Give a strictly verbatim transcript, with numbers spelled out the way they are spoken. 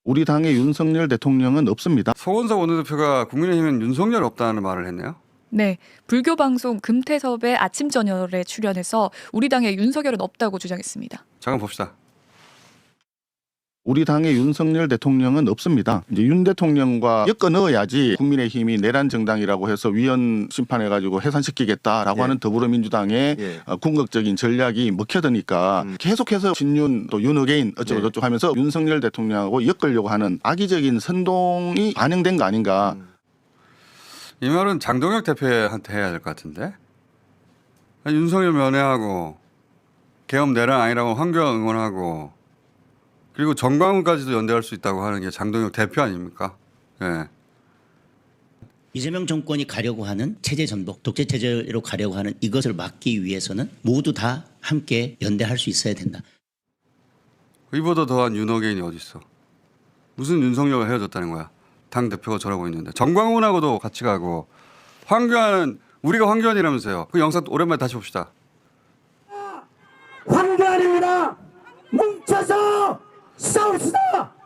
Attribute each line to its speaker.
Speaker 1: 우리 당의 윤석열 대통령은 없습니다.
Speaker 2: 서원석 원내대표가 국민의힘은 윤석열 없다는 말을 했네요.
Speaker 3: 네, 불교 방송 금태섭의 아침 저녁에 출연해서 우리 당에 윤석열은 없다고 주장했습니다.
Speaker 2: 잠깐 봅시다.
Speaker 1: 우리 당의 윤석열 대통령은 없습니다. 이제 윤 대통령과 엮어 넣어야지 국민의힘이 내란 정당이라고 해서 위헌 심판해가지고 해산시키겠다라고
Speaker 4: 예.
Speaker 1: 하는 더불어민주당의
Speaker 4: 예.
Speaker 1: 어, 궁극적인 전략이 먹혀드니까
Speaker 4: 음.
Speaker 1: 계속해서 신윤 또 윤어게인 어쩌고
Speaker 4: 예.
Speaker 1: 저쩌고 하면서 윤석열 대통령하고 엮으려고 하는 악의적인 선동이 반영된 거 아닌가.
Speaker 4: 음.
Speaker 2: 이 말은 장동혁 대표한테 해야 될 것 같은데. 아니, 윤석열 면회하고 계엄 내란 아니라고 황교안 응원하고 그리고 정광훈까지도 연대할 수 있다고 하는 게 장동혁 대표 아닙니까? 예.
Speaker 5: 이재명 정권이 가려고 하는 체제 전복, 독재 체제로 가려고 하는 이것을 막기 위해서는 모두 다 함께 연대할 수 있어야 된다.
Speaker 2: 이보다 더한 윤어게인이 어디 있어? 무슨 윤석열과 헤어졌다는 거야? 당 대표가 저러고 있는데 정광훈하고도 같이 가고 황교안은 우리가 황교안이라면서요. 그 영상 오랜만에 다시 봅시다.
Speaker 6: 황교안입니다. 뭉쳐서 싸웁시다.